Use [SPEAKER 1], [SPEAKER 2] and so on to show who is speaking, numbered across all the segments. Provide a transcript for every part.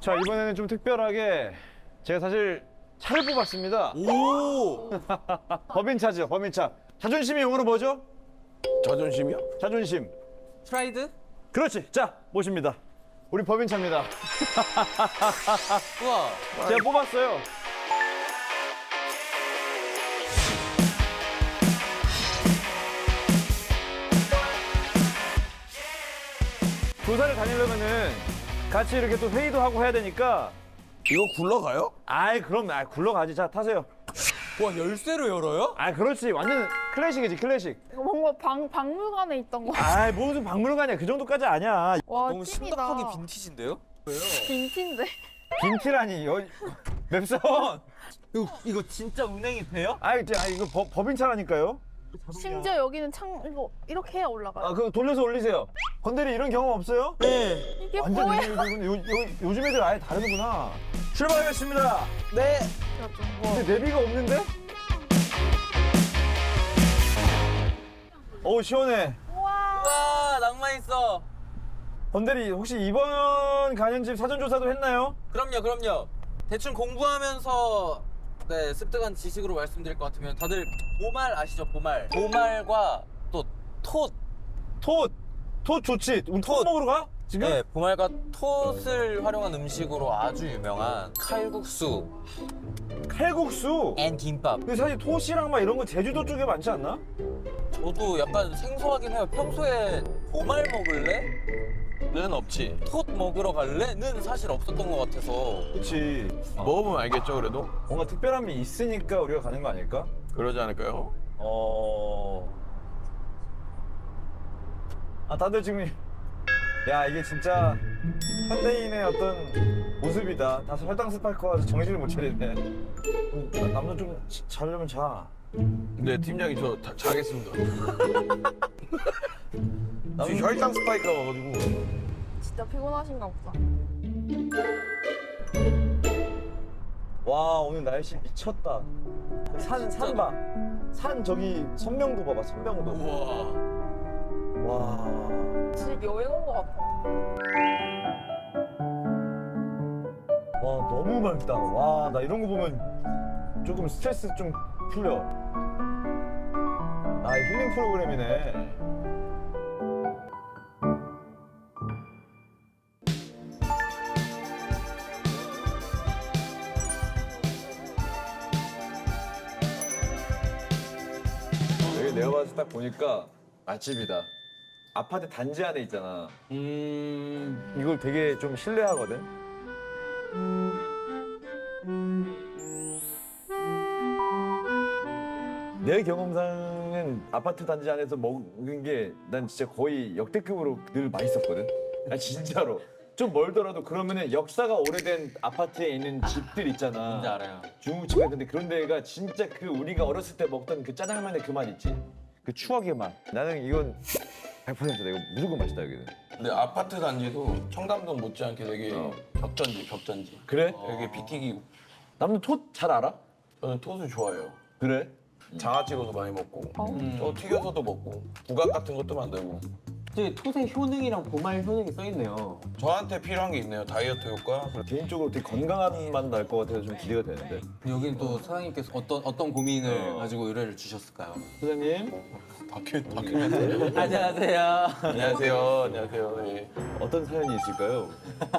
[SPEAKER 1] 자, 이번에는 좀 특별하게 제가 사실 차를 뽑았습니다.
[SPEAKER 2] 오!
[SPEAKER 1] 법인차죠, 법인차. 자존심이 영어로 뭐죠?
[SPEAKER 2] 자존심이요?
[SPEAKER 1] 자존심.
[SPEAKER 3] 프라이드?
[SPEAKER 1] 그렇지. 자, 모십니다. 우리 법인차입니다.
[SPEAKER 3] 우와.
[SPEAKER 1] 제가 뽑았어요. 조사를 다니려면은 같이 이렇게 또 회의도 하고 해야 되니까.
[SPEAKER 2] 이거 굴러가요?
[SPEAKER 1] 아이, 그럼, 굴러가지. 자, 타세요.
[SPEAKER 3] 와, 열쇠로 열어요?
[SPEAKER 1] 아, 그렇지. 완전 클래식이지, 클래식.
[SPEAKER 4] 이거 뭔가 박물관에 있던 거.
[SPEAKER 1] 아이, 무슨 박물관이야. 그 정도까지 아니야.
[SPEAKER 4] 와,
[SPEAKER 3] 너무
[SPEAKER 4] 찐이다.
[SPEAKER 3] 심각하게 빈티지인데요?
[SPEAKER 4] 빈티인데.
[SPEAKER 1] 빈티라니. 맵선.
[SPEAKER 3] 이거 진짜 운행이 돼요?
[SPEAKER 1] 아이, 이거 법인차라니까요.
[SPEAKER 4] 심지어 여기는 이거 이렇게 해야 올라가요.
[SPEAKER 1] 아, 그거 돌려서 올리세요. 건대리 이런 경험 없어요?
[SPEAKER 3] 네.
[SPEAKER 4] 이게
[SPEAKER 1] 완전
[SPEAKER 4] 뭐야?
[SPEAKER 1] 요즘 애들 아예 다르구나. 출발하겠습니다.
[SPEAKER 3] 네.
[SPEAKER 1] 근데 내비가 없는데? 어우, 시원해.
[SPEAKER 3] 와, 낭만 있어.
[SPEAKER 1] 건대리 혹시 이번 가는 집 사전조사도 했나요?
[SPEAKER 3] 그럼요. 대충 공부하면서 네, 습득한 지식으로 말씀드릴 것 같으면 다들 보말 아시죠? 보말. 보말과 또 톳.
[SPEAKER 1] 톳 좋지. 우리 톳 먹으러 가? 지금?
[SPEAKER 3] 네, 보말과 톳을 활용한 음식으로 아주 유명한 칼국수
[SPEAKER 1] 칼국수.
[SPEAKER 3] 앤 김밥.
[SPEAKER 1] 근데 사실 톳이랑 막 이런 거 제주도 쪽에 많지 않나?
[SPEAKER 3] 저도 약간 생소하긴 해요. 평소에 보말 먹을래?
[SPEAKER 2] 는 없지.
[SPEAKER 3] 톳 먹으러 갈래?는 사실 없었던 것 같아서.
[SPEAKER 1] 그치.
[SPEAKER 2] 먹어보면 알겠죠, 그래도?
[SPEAKER 1] 뭔가 특별함이 있으니까 우리가 가는 거 아닐까?
[SPEAKER 2] 그러지 않을까요?
[SPEAKER 1] 다들 지금 야, 이게 진짜 현대인의 어떤 모습이다. 다 설탕 스파이크 와서 정신을 못 차리네. 남자 좀 자려면 자.
[SPEAKER 2] 네, 팀장이 저 자겠습니다.
[SPEAKER 1] 남자
[SPEAKER 2] 지금 혈당 스파이크가 와가지고.
[SPEAKER 4] 진짜 피곤하신가 보다.
[SPEAKER 1] 와, 오늘 날씨 미쳤다. 산 봐. 산 저기 선명도 봐봐, 선명도.
[SPEAKER 2] 우와.
[SPEAKER 1] 와.
[SPEAKER 4] 집 여행 온 것 같아.
[SPEAKER 1] 와, 너무 맑다. 와, 나 이런 거 보면 조금 스트레스 좀 풀려. 아, 힐링 프로그램이네. 여기 내가 봤을 때 딱 보니까 맛집이다. 아파트 단지 안에 있잖아. 이걸 되게 좀 신뢰하거든. 내 경험상은 아파트 단지 안에서 먹은 게 난 진짜 거의 역대급으로 늘 맛있었거든. 아, 진짜로. 좀 멀더라도 그러면은 역사가 오래된 아파트에 있는 집들 있잖아.
[SPEAKER 3] 뭔지 알아요.
[SPEAKER 1] 중국집 같은데 그런 데가 진짜 그 우리가 어렸을 때 먹던 그 짜장면의 그 맛 있지. 그 추억의 맛. 나는 이건 100%다. 이거 무조건 맛있다 여기는.
[SPEAKER 2] 근데 아파트 단지도 청담동 못지않게 되게
[SPEAKER 1] 어.
[SPEAKER 2] 벽전지.
[SPEAKER 1] 그래?
[SPEAKER 2] 되게 피 튀기고.
[SPEAKER 1] 남는 톳 잘 알아?
[SPEAKER 2] 저는 톳을 좋아해요.
[SPEAKER 1] 그래?
[SPEAKER 2] 장아 찍어서 많이 먹고, 저 튀겨서도 먹고, 부각 같은 것도 만들고.
[SPEAKER 5] 저기 톳의 효능이랑 보말 효능이 써있네요.
[SPEAKER 2] 저한테 필요한 게 있네요. 다이어트 효과.
[SPEAKER 1] 개인적으로 되게 건강한 맛 날 것 같아서 좀 기대가 되는데.
[SPEAKER 3] 여기는 또 사장님께서 어떤 고민을 가지고 의뢰를 주셨을까요?
[SPEAKER 1] 소장님,
[SPEAKER 2] 다큐멘터리.
[SPEAKER 3] 안녕하세요.
[SPEAKER 2] 안녕하세요. 네.
[SPEAKER 1] 어떤 사연이 있을까요?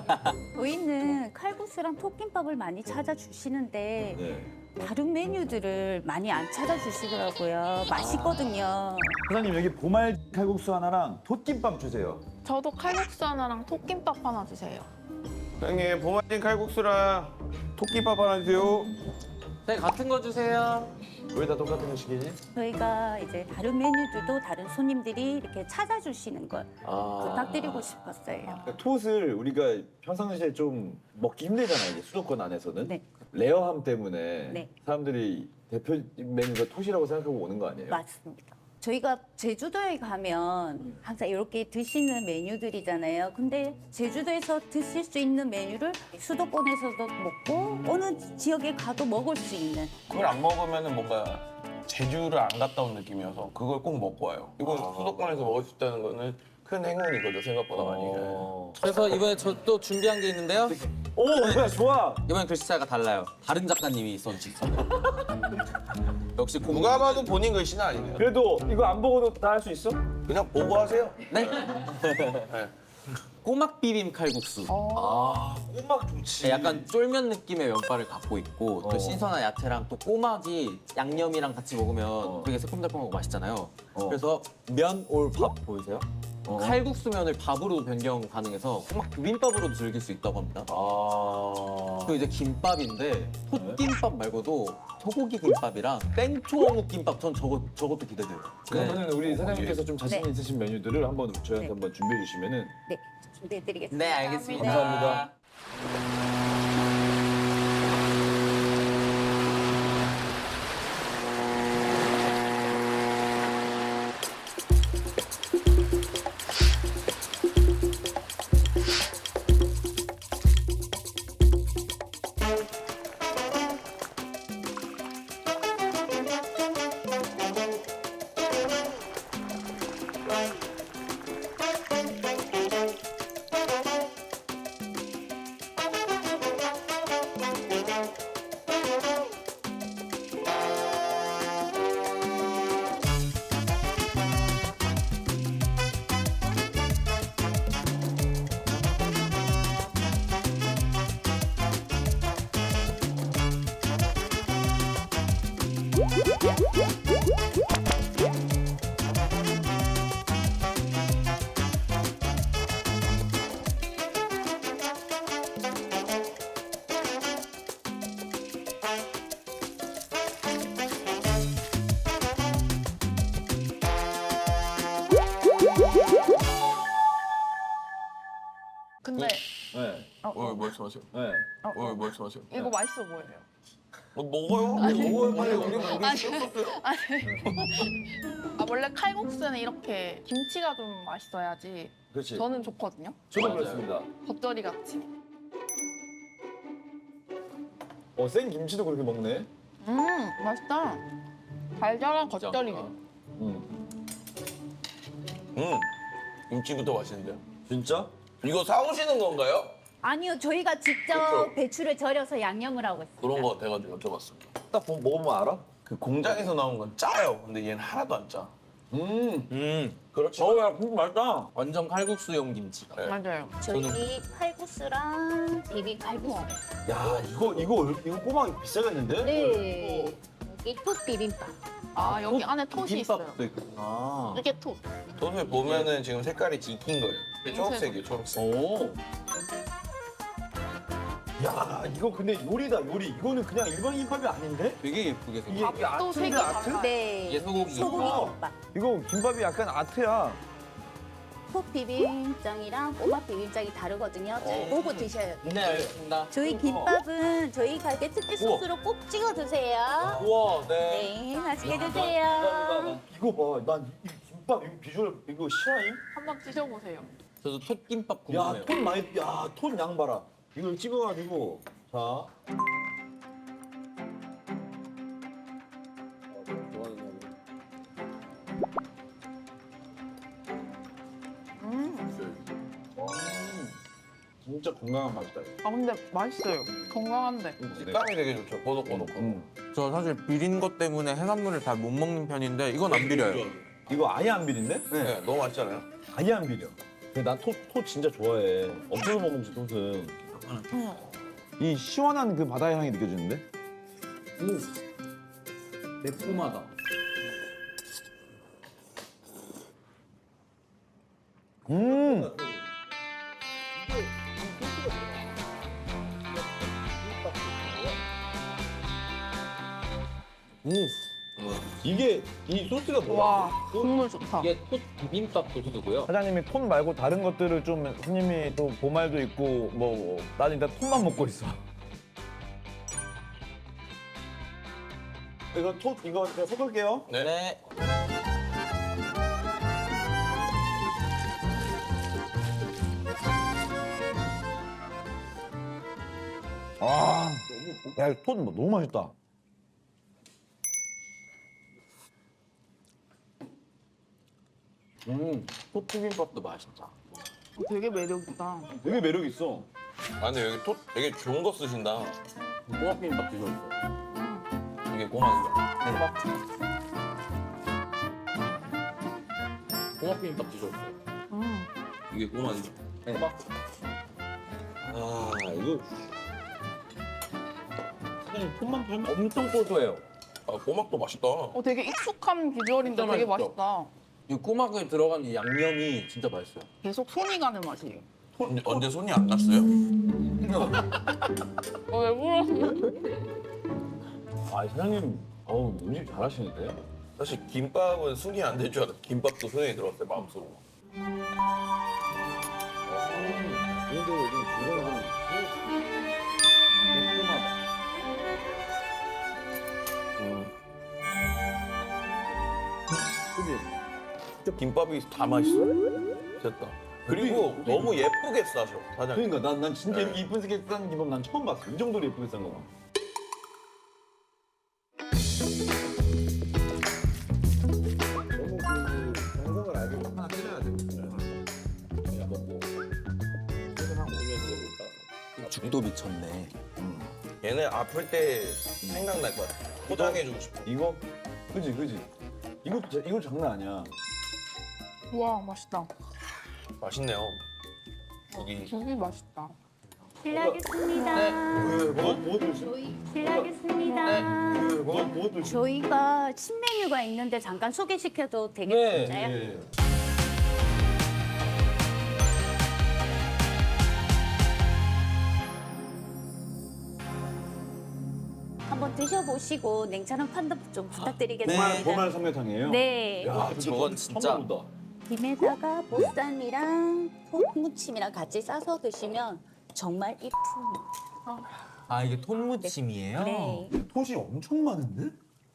[SPEAKER 6] 저희는 칼국수랑 톱김밥을 많이 찾아주시는데
[SPEAKER 1] 네.
[SPEAKER 6] 다른 메뉴들을 많이 안 찾아주시더라고요. 맛있거든요.
[SPEAKER 1] 소장님 여기 보말 칼국수 하나랑 톳김밥 주세요.
[SPEAKER 4] 저도 칼국수 하나랑 톱김밥 하나 주세요.
[SPEAKER 2] 형님, 보마진 칼국수랑 토끼밥 하나 주세요.
[SPEAKER 3] 네, 같은 거 주세요.
[SPEAKER 1] 왜 다 똑같은 거 시키지?
[SPEAKER 6] 저희가 이제 다른 메뉴들도 다른 손님들이 이렇게 찾아주시는 걸 부탁드리고 싶었어요.
[SPEAKER 1] 톳을 우리가 평상시에 좀 먹기 힘들잖아요. 이게 수도권 안에서는.
[SPEAKER 6] 네.
[SPEAKER 1] 레어함 때문에
[SPEAKER 6] 네.
[SPEAKER 1] 사람들이 대표 메뉴가 톳이라고 생각하고 오는 거 아니에요?
[SPEAKER 6] 맞습니다. 저희가 제주도에 가면 항상 이렇게 드시는 메뉴들이잖아요. 근데 제주도에서 드실 수 있는 메뉴를 수도권에서도 먹고 어느 지역에 가도 먹을 수 있는
[SPEAKER 2] 그걸 안 먹으면 뭔가 제주를 안 갔다 온 느낌이어서 그걸 꼭 먹고 와요. 이건 수도권에서 먹을 수 있다는 거는 큰 행운이거든요. 생각보다 많이.
[SPEAKER 1] 어.
[SPEAKER 3] 그래서 이번에 저 또 준비한 게 있는데요.
[SPEAKER 1] 오 뭐야 좋아.
[SPEAKER 3] 이번엔 글씨체가 달라요. 다른 작가님이 써주셨어요. 역시
[SPEAKER 2] 누가 봐도 본인 글씨는 아니네요.
[SPEAKER 1] 그래도 이거 안 보고도 다 할 수 있어?
[SPEAKER 2] 그냥 보고 하세요.
[SPEAKER 3] 네? 꼬막 비빔 칼국수.
[SPEAKER 1] 꼬막 좋지.
[SPEAKER 3] 네, 약간 쫄면 느낌의 면발을 갖고 있고 또
[SPEAKER 1] 어.
[SPEAKER 3] 신선한 야채랑 또 꼬막이 양념이랑 같이 먹으면 되게 새콤달콤하고 맛있잖아요. 그래서 면 올 밥 보이세요? 칼국수면을 밥으로 변경 가능해서 꼬막 비빔밥으로도 즐길 수 있다고 합니다. 그리고 이제 김밥인데 톳김밥 말고도 소고기 김밥이랑 땡초 어묵 김밥 전 저것도 기대돼요.
[SPEAKER 1] 그러면은 우리 사장님께서 좀 자신
[SPEAKER 6] 네.
[SPEAKER 1] 있으신 메뉴들을 한번 저희한테
[SPEAKER 6] 네.
[SPEAKER 1] 한번 준비해 주시면은
[SPEAKER 6] 네, 준비해드리겠습니다.
[SPEAKER 3] 네, 알겠습니다.
[SPEAKER 1] 감사합니다.
[SPEAKER 4] 근데
[SPEAKER 1] 네.
[SPEAKER 2] 왜 말씀하세요?
[SPEAKER 1] 네.
[SPEAKER 2] 왜 말씀하세요?
[SPEAKER 4] 이거 맛있어 보여요.
[SPEAKER 2] 먹어요. 먹어요 빨리. 우리
[SPEAKER 4] 아니,
[SPEAKER 2] 쉬었었어요.
[SPEAKER 4] 아니. 원래 칼국수는 이렇게 김치가 좀 맛있어야지
[SPEAKER 1] 그렇지.
[SPEAKER 4] 저는 좋거든요.
[SPEAKER 1] 저도 그렇습니다.
[SPEAKER 4] 겉절이 같이.
[SPEAKER 1] 생 김치도 그렇게 먹네.
[SPEAKER 4] 맛있다. 달달한 겉절이.
[SPEAKER 2] 김치부터 맛있는데요.
[SPEAKER 1] 진짜?
[SPEAKER 2] 이거 사오시는 건가요?
[SPEAKER 6] 아니요, 저희가 직접
[SPEAKER 2] 그렇죠.
[SPEAKER 6] 배추를 절여서 양념을 하고 있어요.
[SPEAKER 2] 그런 거 같아가지고 여쭤봤습니다.
[SPEAKER 1] 딱 먹으면 알아?
[SPEAKER 2] 그 공장에서 나온 건 짜요. 근데 얘는 하나도 안 짜. 그렇죠.
[SPEAKER 1] 야, 국물 맛있다.
[SPEAKER 3] 완전 칼국수용 김치가.
[SPEAKER 2] 네.
[SPEAKER 4] 맞아요.
[SPEAKER 6] 저희 칼국수랑 비빔 칼국수.
[SPEAKER 1] 야, 이거 꼬막 비싸겠는데?
[SPEAKER 6] 네. 여기 톡 비빔밥.
[SPEAKER 4] 아 여기 안에 톳이 있어요.
[SPEAKER 3] 김밥도 있구나.
[SPEAKER 4] 이게 톳.
[SPEAKER 2] 톱에 보면은 지금 색깔이 익힌 거예요. 초록색이에요, 초록색.
[SPEAKER 3] 오.
[SPEAKER 1] 야, 이거 근데 요리다, 요리. 이거는 그냥 일반 김밥이 아닌데?
[SPEAKER 3] 되게 예쁘게
[SPEAKER 1] 이게
[SPEAKER 3] 생겼어.
[SPEAKER 4] 또 색이 달라.
[SPEAKER 6] 네.
[SPEAKER 3] 이게 소고기.
[SPEAKER 6] 소고기 김밥.
[SPEAKER 1] 이거 김밥이 약간 아트야.
[SPEAKER 6] 톡 비빔장이랑 꼬막 비빔장이 다르거든요. 잘 보고 드셔야 돼요.
[SPEAKER 3] 네, 알겠습니다.
[SPEAKER 6] 저희 김밥은 저희 가게 특제 소스로 꼭 찍어 드세요.
[SPEAKER 3] 우와, 네.
[SPEAKER 6] 네, 맛있게 드세요.
[SPEAKER 1] 이거 봐, 난 이 김밥 이거 비주얼 이거 싫어임?
[SPEAKER 4] 한번 드셔보세요.
[SPEAKER 3] 저도 톳김밥
[SPEAKER 1] 야,
[SPEAKER 3] 궁금해요.
[SPEAKER 1] 톤 많이, 야, 톤 양 봐라. 이걸 찍어가지고, 자. 진짜 건강한 맛이다. 이거.
[SPEAKER 4] 아 근데 맛있어요. 건강한데.
[SPEAKER 2] 식감이 되게 좋죠. 보석보석하고.
[SPEAKER 3] 저 사실 비린 것 때문에 해산물을 잘 못 먹는 편인데 이건 안 비려요.
[SPEAKER 1] 이거 아예 안 비린데?
[SPEAKER 2] 네, 너무 맛있잖아요.
[SPEAKER 1] 아예 안 비려. 근데 난 톳 진짜 좋아해. 없어서 못 먹지, 톳은. 이 시원한 그 바다의 향이 느껴지는데?
[SPEAKER 3] 매콤하다.
[SPEAKER 1] 음! 이게 이 소스가 뭐야?
[SPEAKER 4] 와 국물 좋다.
[SPEAKER 3] 이게 톳 비빔밥 소스고요.
[SPEAKER 1] 사장님이 톤 말고 다른 것들을 좀 손님이 또 보말도 있고 뭐 나는 일단 톤만 먹고 있어. 이거 이거 제가 섞을게요.
[SPEAKER 2] 네.
[SPEAKER 3] 네.
[SPEAKER 1] 아, 야, 톤 너무 맛있다.
[SPEAKER 3] 톳 비빔밥도 맛있다.
[SPEAKER 4] 되게 매력 있다.
[SPEAKER 1] 되게 매력 있어.
[SPEAKER 2] 아 근데 여기 토 되게 좋은 거 쓰신다.
[SPEAKER 3] 꼬막 비빔밥 드셔보세요.
[SPEAKER 2] 이게 꼬막이죠.
[SPEAKER 3] 꼬막 비빔밥 드셔보세요.
[SPEAKER 2] 이게 꼬막이죠.
[SPEAKER 3] 네.
[SPEAKER 2] 아 이거
[SPEAKER 3] 사장님 톤만 팔면 엄청 고소해요.
[SPEAKER 2] 아, 꼬막도 맛있다.
[SPEAKER 4] 되게 익숙한 비주얼인데
[SPEAKER 3] 진짜
[SPEAKER 4] 되게
[SPEAKER 3] 맛있죠?
[SPEAKER 4] 맛있다.
[SPEAKER 3] 이 꼬막에 들어간 이 양념이 진짜 맛있어요.
[SPEAKER 4] 계속 손이 가는 맛이에요.
[SPEAKER 2] 언제 손이 안 났어요?
[SPEAKER 4] 왜 물었어?
[SPEAKER 1] 아 사장님, 음식 잘하시는데?
[SPEAKER 2] 사실 김밥은 손이 안 될 줄 알았어. 김밥도 손에 들어갔어요 마음속으로. 진짜 김밥이 다 맛있어. 됐다. 그리고 너무 예쁘게 싸셔 사장님.
[SPEAKER 1] 그러니까 난 진짜 이렇게 이쁜 색싼 김밥 난 처음 봤어. 이 정도로 예쁘게 싼 거.
[SPEAKER 3] 죽도 미쳤네.
[SPEAKER 2] 얘네 아플 때 생각날 거야. 포장해주고 싶어.
[SPEAKER 1] 이거? 그지? 이거 장난 아니야.
[SPEAKER 4] 와 맛있다.
[SPEAKER 2] 맛있네요. 여기
[SPEAKER 4] 되게 맛있다.
[SPEAKER 6] 실례하겠습니다.
[SPEAKER 1] 뭐 드세요?
[SPEAKER 6] 실례하겠습니다.
[SPEAKER 1] 뭐 드세요?
[SPEAKER 6] 저희가 신메뉴가 있는데 잠깐 소개시켜도 되겠나요? 한번 드셔보시고 냉철한 판단 좀 부탁드리겠습니다.
[SPEAKER 1] 보말 삼계탕이에요?
[SPEAKER 6] 네.
[SPEAKER 1] 야,
[SPEAKER 3] 저건 진짜
[SPEAKER 1] 본다.
[SPEAKER 6] 김에다가 보쌈이랑 톡무침이랑 같이 싸서 드시면 정말 이품.
[SPEAKER 3] 아 이게 톤무침이에요?
[SPEAKER 6] 네.
[SPEAKER 1] 톳이 엄청 많은데?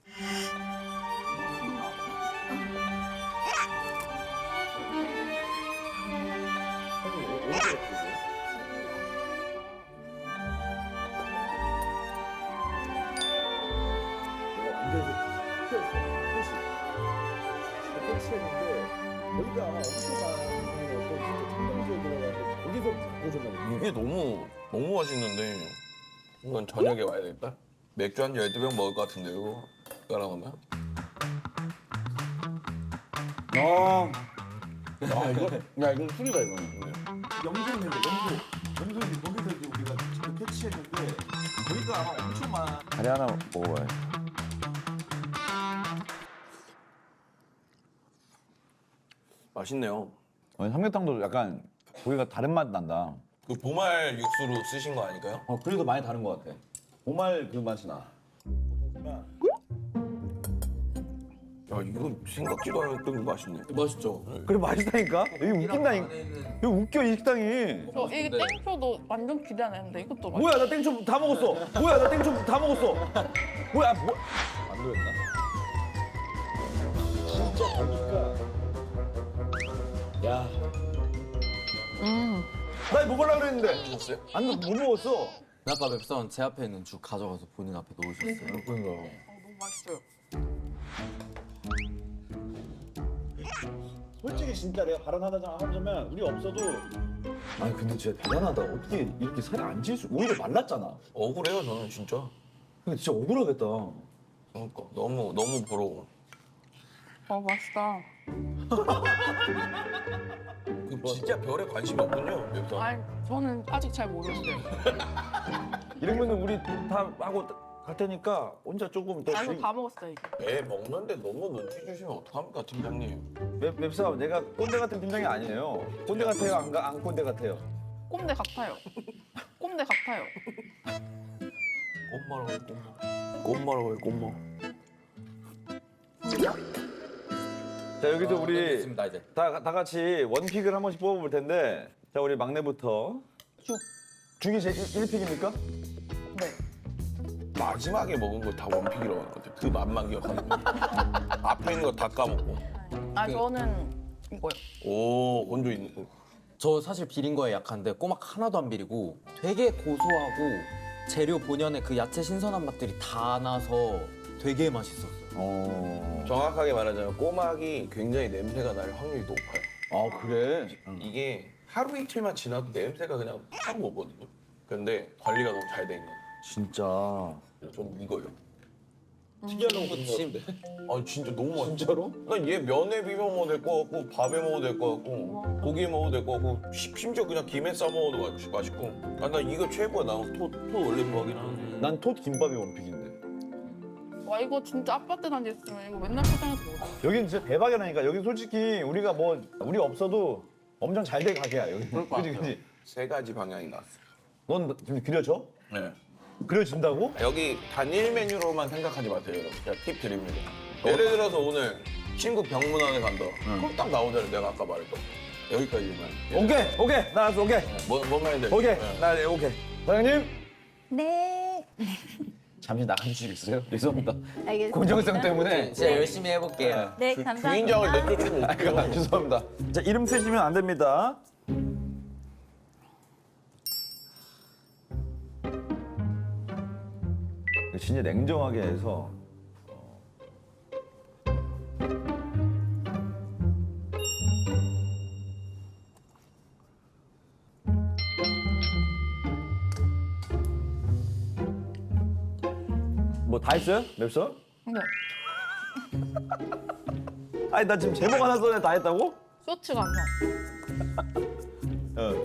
[SPEAKER 2] 이게 너무 맛있는데 이건 저녁에 와야 되겠다. 맥주 한 12병 먹을 것 같은데 이거 따라오면.
[SPEAKER 1] 이건 술이다 이거는. 염소인데 염소인데 거기서 이제 우리가 지금 캐치했는데 거기가 아마 엄청 많아. 다리 하나 먹어봐요.
[SPEAKER 2] 맛있네요.
[SPEAKER 1] 삼계탕도 약간 고기가 다른 맛 난다.
[SPEAKER 2] 그 보말 육수로 쓰신 거 아닐까요?
[SPEAKER 1] 그래도 많이 다른 것 같아. 보말 그 맛이 나.
[SPEAKER 2] 야 이거 생각지도 않았던 맛있네.
[SPEAKER 3] 맛있죠?
[SPEAKER 1] 그래 맛있다니까? 여기 웃긴다니까. 여기 웃겨 이 식당이.
[SPEAKER 4] 이게 땡초도 완전 기대 안 했는데 이것도 맛있어.
[SPEAKER 1] 뭐야 나 땡초 다 먹었어. 뭐야 나 땡초 다 먹었어. 뭐야 뭐? 안 들었나? 진짜 보니까. 야. 나 먹으려고 그랬는데.
[SPEAKER 2] 드셨어요?
[SPEAKER 1] 못 먹었어.
[SPEAKER 3] 아까 맵선 제 앞에 있는 죽 가져가서 본인 앞에 놓으셨어요.
[SPEAKER 1] 그런가.
[SPEAKER 4] 너무 맛있어요.
[SPEAKER 1] 솔직히 진짜 내가 발언하자면 우리 없어도. 아니 근데 진짜 대단하다. 어떻게 이렇게 살이 안 찔 수? 오히려 말랐잖아.
[SPEAKER 2] 억울해요 저는 진짜.
[SPEAKER 1] 근데 진짜 억울하겠다.
[SPEAKER 2] 그러니까 너무 부러워.
[SPEAKER 4] 맛있다.
[SPEAKER 2] 그 진짜 별에 관심이 없군요. 맵상.
[SPEAKER 4] 아니 저는 아직 잘 모르겠어요.
[SPEAKER 1] 이러면은 우리 다 하고 갈 테니까 혼자 조금 더.
[SPEAKER 4] 아 이거 다 먹었어요 이제.
[SPEAKER 2] 배 먹는데 너무 눈치 주시면 어떡합니까 팀장님.
[SPEAKER 1] 맵사업 내가 꼰대 같은 팀장이 아니에요. 꼰대 같아요? 안 꼰대 같아요?
[SPEAKER 4] 꼼대 같아요. 꼼대 같아요.
[SPEAKER 2] 꽃마라고 해 꽃마. 꽃마라고 해 꽃마.
[SPEAKER 1] 자 여기서 우리
[SPEAKER 3] 됐습니다 이제.
[SPEAKER 1] 다 같이 원픽을 한 번씩 뽑아볼 텐데 자 우리 막내부터 죽이 제 1픽입니까?
[SPEAKER 4] 네.
[SPEAKER 2] 마지막에 먹은 거 다 원픽이라고 하는 것 같아. 그 맛만 기억하는 거. 앞에 있는 거 다 까먹고.
[SPEAKER 4] 아 저는 이거요.
[SPEAKER 2] 오 건조 있는 거.
[SPEAKER 3] 저 사실 비린 거에 약한데 꼬막 하나도 안 비리고 되게 고소하고 재료 본연의 그 야채 신선한 맛들이 다 나서 되게 맛있었어요.
[SPEAKER 2] 정확하게 말하자면 꼬막이 굉장히 냄새가 날 확률이 높아요.
[SPEAKER 1] 아 그래?
[SPEAKER 2] 이게 하루 이틀만 지나도 냄새가 그냥 확 오거든요. 근데 관리가 너무 잘 돼 있는.
[SPEAKER 1] 진짜.
[SPEAKER 2] 좀 이거요.
[SPEAKER 3] 튀겨놓은 거 드시면
[SPEAKER 2] 아 진짜 너무 맛있어. 진짜로? 난 얘 면에 비벼 먹어도 될 것 같고 밥에 먹어도 될 것 같고 고기에 먹어도 될 것 같고 심지어 그냥 김에 싸 먹어도 맛있고. 아 난 이거 최고야. 나 토 원래 좋아하긴 하는데.
[SPEAKER 1] 난 톳 김밥이 원픽인데.
[SPEAKER 4] 와 이거 진짜 아파트 단지 있으면 이거 맨날 포장해서 먹어.
[SPEAKER 1] 여긴 진짜 대박이라니까. 여기 솔직히 우리가 우리 없어도 엄청 잘 된 가게야 여기. 그지 그지.
[SPEAKER 2] 세 가지 방향이 나왔어요.
[SPEAKER 1] 넌 지금 그려져?
[SPEAKER 2] 네.
[SPEAKER 1] 그려진다고?
[SPEAKER 2] 여기 단일 메뉴로만 생각하지 마세요, 여러분. 제가 팁 드립니다. 예를 들어서 오늘 친구 병문안에 간다. 그럼 딱 나오잖아요. 내가 아까 말했던 거. 여기까지만.
[SPEAKER 1] 오케이. 나 알았어. 오케이.
[SPEAKER 2] 뭔 말인지 알죠?
[SPEAKER 1] 오케이.
[SPEAKER 2] 네.
[SPEAKER 1] 나 오케이. 사장님.
[SPEAKER 6] 네.
[SPEAKER 1] 잠시 나가주시겠어요? 죄송합니다.
[SPEAKER 6] 알겠습니다.
[SPEAKER 1] 공정성 때문에.
[SPEAKER 3] 진짜 열심히 해볼게요.
[SPEAKER 6] 네, 감사합니다.
[SPEAKER 2] 주인장을 내쫓으면 어떡해요?
[SPEAKER 1] 죄송합니다. 자, 이름 쓰시면 안 됩니다. 진짜 냉정하게 해서 뭐 다 했어요? 맵서?
[SPEAKER 4] 근데
[SPEAKER 1] 아니 나 지금 제목 하나 써내 다 했다고?
[SPEAKER 4] 쇼츠가 안 나.
[SPEAKER 1] 어.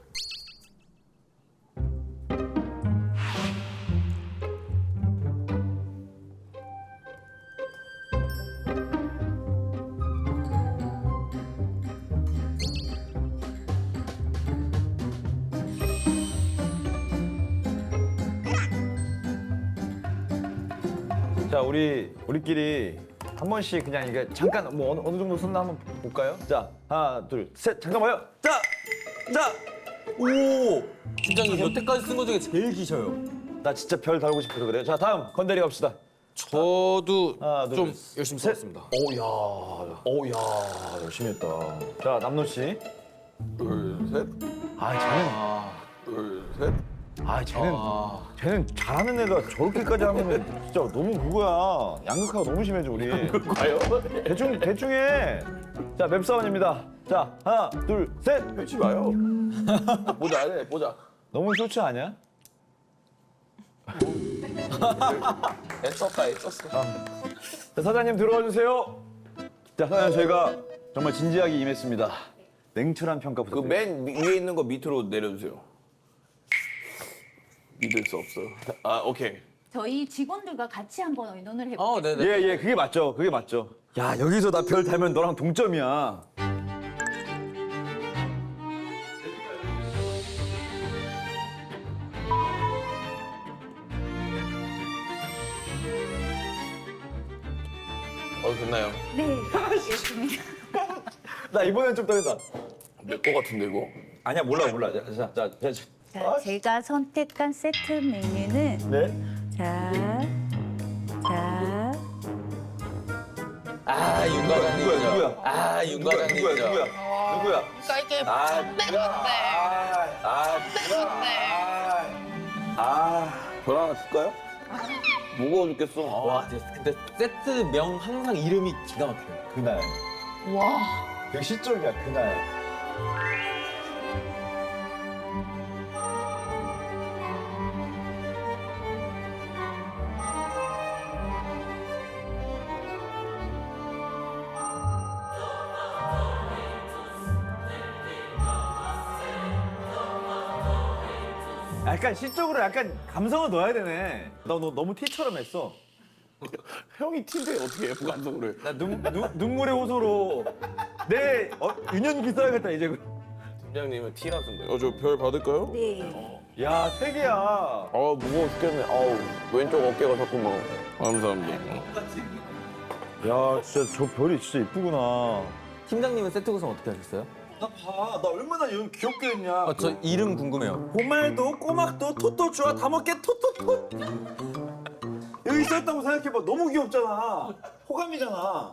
[SPEAKER 1] 자 우리끼리 한 번씩 그냥 이게 잠깐 뭐 어느 정도 썼나 한번 볼까요? 자 하나 둘 셋 잠깐만요. 자 오.
[SPEAKER 3] 팀장님 여태까지 쓴 거 중에 제일 기셔요.
[SPEAKER 1] 나 진짜 별 달고 싶어서 그래요. 자 다음 건대리 갑시다.
[SPEAKER 3] 저도
[SPEAKER 1] 하나, 둘,
[SPEAKER 3] 좀
[SPEAKER 1] 셋.
[SPEAKER 3] 열심히 썼습니다.
[SPEAKER 1] 오야 열심히 했다. 자 남노 씨.
[SPEAKER 2] 둘, 셋. 둘, 셋.
[SPEAKER 1] 쟤는 잘하는 애가 저렇게까지 하면 진짜 너무 그거야. 양극화가 너무 심해져 우리.
[SPEAKER 2] 가요?
[SPEAKER 1] 대충 해. 자 맵사원입니다. 자 하나 둘 셋.
[SPEAKER 2] 하지 마요. 보자, 네, 보자.
[SPEAKER 1] 너무 쇼츠 아니야?
[SPEAKER 2] 애썼다, 애썼어.
[SPEAKER 1] 자, 사장님 들어와 주세요. 자 사장님 저희가 정말 진지하게 임했습니다. 냉철한 평가
[SPEAKER 2] 그
[SPEAKER 1] 부탁드립니다.
[SPEAKER 2] 맨 위에 있는 거 밑으로 내려주세요. 믿을 수 없어요. 아, 오케이.
[SPEAKER 6] 저희 직원들과 같이 한번 의논을 해볼게요.
[SPEAKER 3] 네네.
[SPEAKER 1] 예, 그게 맞죠. 그게 맞죠. 야, 여기서 나 별 달면 너랑 동점이야.
[SPEAKER 2] 됐나요?
[SPEAKER 6] 네, 알겠습니다.
[SPEAKER 1] 나 이번엔 좀 떨린다.
[SPEAKER 2] 내 거 같은데, 이거?
[SPEAKER 1] 아니야, 몰라. 자.
[SPEAKER 6] 자, 제가 선택한 세트 메뉴는
[SPEAKER 1] 네.
[SPEAKER 6] 자.
[SPEAKER 3] 아, 윤 과장님이죠.
[SPEAKER 1] 누구야?
[SPEAKER 3] 아, 윤 과장님이죠.
[SPEAKER 1] 누구야?
[SPEAKER 4] 그러니까 이게 때렸네.
[SPEAKER 2] 별 하나 줄까요? 무거워 죽겠어.
[SPEAKER 3] 와, 근데 세트명 항상 이름이 기가 막혀요.
[SPEAKER 1] 그날.
[SPEAKER 4] 와.
[SPEAKER 1] 되게 시적이야, 그날. 약간 시적으로 약간 감성을 넣어야 되네. 너 너무 티처럼 했어.
[SPEAKER 2] 형이 팀인데 어떻게 F 감독을 해?
[SPEAKER 1] 나 눈물의 호소로 내 유년기 써야겠다 이제.
[SPEAKER 2] 팀장님은 T라던데. 저 별 받을까요?
[SPEAKER 6] 네.
[SPEAKER 1] 야, 세 개야.
[SPEAKER 2] 무거워 죽겠네. 아우, 왼쪽 어깨가 자꾸 막. 감사합니다.
[SPEAKER 1] 야, 진짜 저 별이 진짜 이쁘구나.
[SPEAKER 3] 팀장님은 세트 구성 어떻게 하셨어요?
[SPEAKER 1] 나 봐, 나 얼마나 이런 귀엽게 했냐.
[SPEAKER 3] 저 이름 궁금해요.
[SPEAKER 1] 보말도 꼬막도 토토추와 다 먹게 토토토. 여기 있었다고 생각해봐. 너무 귀엽잖아. 호감이잖아.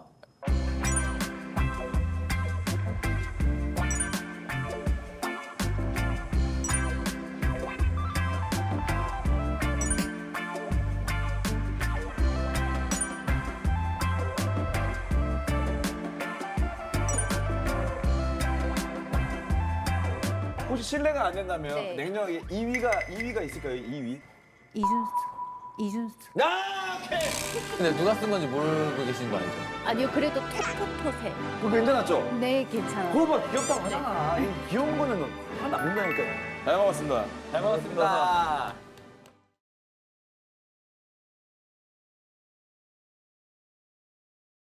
[SPEAKER 1] 혹시 실례가 안 된다면
[SPEAKER 6] 네.
[SPEAKER 1] 냉정하게 2위가 있을까요? 2위?
[SPEAKER 6] 이준수.
[SPEAKER 1] 아, 오케이.
[SPEAKER 3] 근데 누가 쓴 건지 모르고 계신 거 알죠?
[SPEAKER 6] 아니요, 그래도 톡톡톡해.
[SPEAKER 1] 그거 괜찮았죠?
[SPEAKER 6] 네, 괜찮아요.
[SPEAKER 1] 그거 봐 귀엽다고 하잖아. 이 귀여운 거는 하나 안 된다니까. 잘 먹었습니다.
[SPEAKER 3] 잘 먹었습니다.